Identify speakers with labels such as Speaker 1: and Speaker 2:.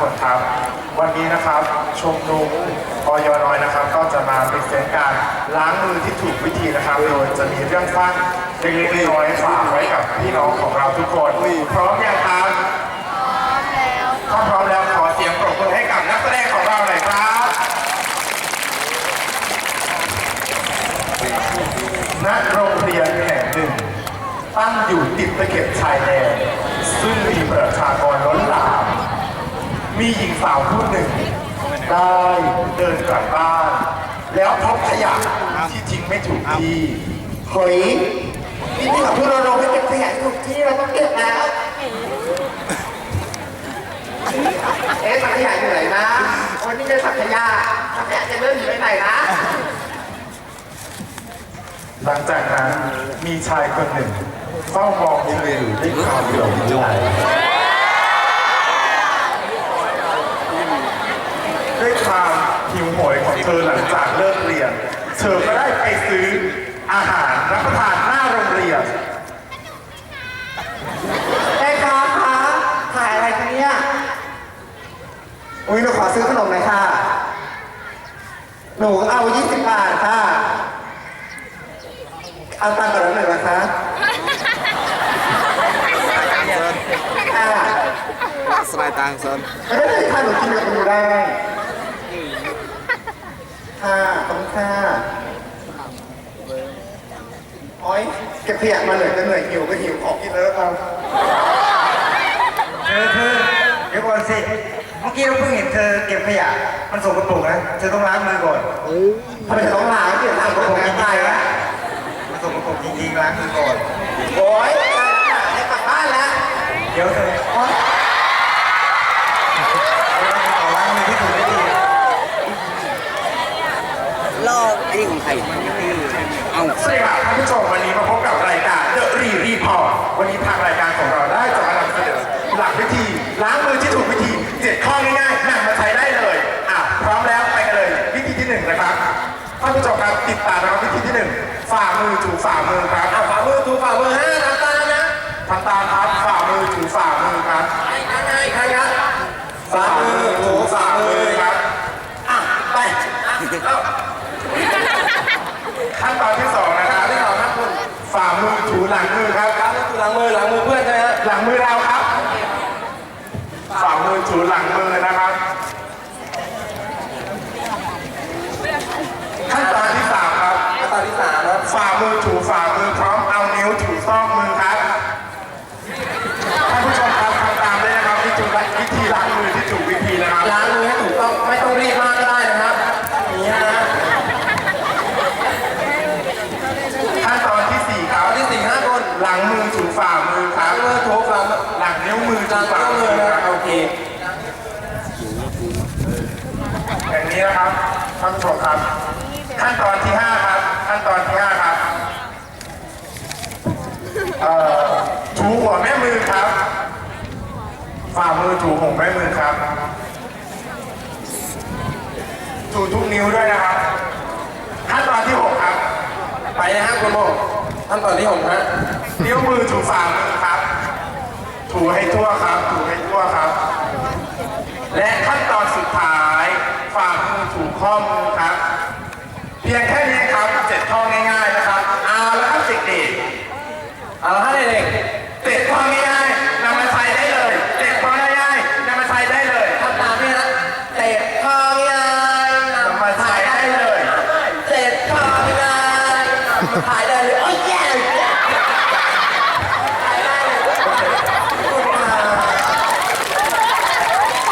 Speaker 1: คนครับวันนี้นะครับชมรมอยน้อยนะครับก็จะมาเป็นเส้นการล้างมือที่ถูกวิธีนะครับโดยจะมีเรื่องสั้นเล็กๆน้อยๆฝากไว้กับพี่น้องของเราทุกคนพร้อมยังครับถ้าพร้อมแล้วขอเสียงปรบมือให้กับนักแสดงของเราหน่อยครับณโรงเรียนแห่งหนึ่งตั้งอยู่ติดตะเข็บชายแดนซึ่งมีประชากรล้นหลามมีหญิงสาวผู้หนึ่งได้เดินกลับบ้านแล้วพบขยะที่ทิ้งไม่ถูกที่
Speaker 2: เฮ้ยนี่ของพี่โรโรให้เก็บขยะถูกที่เราต้องเก็บแล้วสักขยะอยู่ไหนนะวันนี้จะสักขยะจะเริ่มอยู่ไหนนะ
Speaker 1: หลังจากนั้นมีชายคนหนึ่งเฝ้ามองเธออยู่ด้วยความหลงไหลด้วยความหิวโหยของเธอหลังจากเลิกเรียนเธอก็ได้ไปซื้ออาหารรับประทานหน้าโรงเรียน
Speaker 2: แม่ค้าคะขายอะไรคะเนี่ยอุ้ยหนูขอซื้อขนมหน่อยค่ะหนูเอา20 บาทค่ะเอาตังค์ก่อนหน่อยนะคะ
Speaker 3: สบายตังซน
Speaker 2: ไม่ได้เลยค่ะหนูกินกับหนูได้ค่ะขอบคุณค่ะโอ๊ยเก็บขยะมาเหนื่อยก็เหนื่อยหิวก็หิวของกินแล้วครับ
Speaker 4: เธอเดี๋ยวก่อนสิเมื่อกี้เราเพิ่งเห็นเธอเก็บขยะมันสกปรกนะเธอต้องล้างมือก่อน
Speaker 2: ทำไมต้องล้างเดี๋ยวล้างก็คงไม่ได้ละ
Speaker 4: มันสกปรกจริงๆล้างมือก่อน
Speaker 2: โอ๊ยได้กลับบ้านแล้ว
Speaker 4: เดี๋ยวเธอล้างมือที่ถูกวิธี
Speaker 3: ลอกไอ้นี่ของใครเอา
Speaker 1: สวัสดีครับท่านผู้ชมวันนี้มาพบกับรายการ The Report วันนี้ทางรายการของเราได้จะมานำเสนอหลักวิธีล้างมือที่ถูกวิธี7ข้อง่ายๆนำมาใช้ได้เลยพร้อมแล้วไปกันเลยวิธีที่1นะครับท่านผู้ชมครับติดตามนะครับวิธีที่1ฝ่ามือถูฝ่ามือครับ
Speaker 2: ฝ่ามือถูฝ่ามือทำตามนะ
Speaker 1: ทำตามครับฝ่ามือถูฝ่ามือครับ
Speaker 2: ใครครับฝ่ามือถูฝ่ามือ
Speaker 1: ครับ
Speaker 2: ไป
Speaker 1: ขั้นตอนที่2นะครับ
Speaker 2: ที่2ครับคุณ
Speaker 1: ฝ่ามือถูหลังมือครับ
Speaker 2: ถูหลังมือเพื่อนใช่ไหมฮะ
Speaker 1: หลังมือเราครับฝ่ามือถูหลังมือนะครับขั้นตอนที่3ครับ
Speaker 2: ขั้นตอนที่3ครับ
Speaker 1: ฝ่ามือถูฝ่ามือพร้อมเอานิ้วถูซอกมือครับท่านผู้ชมครับทำตามได้นะครับวิธีล้างมือที่ถูกวิธีนะครับ
Speaker 2: ล้างมือให้ถูกต้องไม่ต้องรีบมากก็ได้นะครับอย่างนี้นะ
Speaker 1: ขั้นตอนที่4ครับ
Speaker 2: ที่4 5คน
Speaker 1: หลังมือถูฝ่ามือครับ
Speaker 2: มือถูฝ่า
Speaker 1: หลังนิ้วมือถูฝ่ามือครับ
Speaker 2: โอเค
Speaker 1: อย่างนี้นะครับท่านผู้ชมครับขั้นตอนที่5ครับขั้นตอนที่5ครับถูหัวแม่มือครับฝ่ามือถูหัวแม่มือครับถูทุกนิ้วด้วยนะครับขั้นตอนที่6ครับ
Speaker 2: ไปนะฮะคุณโมขั้นตอนที่6ฮะ
Speaker 1: นิ้วมือถูฝ่ามือครับถูให้ทั่วครับถูให้ทั่วครับและขั้นตอนสุดท้ายฝ่ามือถูข้อมือครับเพียงแค่นี้ครับ7ข้อง่ายๆนะครับเอาแล้วครับเด็กๆ
Speaker 2: เอาให้เด็ก
Speaker 1: 7ข้อง่ายๆนำมาใช้ได้เลย7ข้อง่ายๆนำมาใช้ได้เลย
Speaker 2: ทำตามพี่นะเตะคอง่าย
Speaker 1: นำมาใช้ได้เลย
Speaker 2: เตะคอง่ายถ่ายได้เลย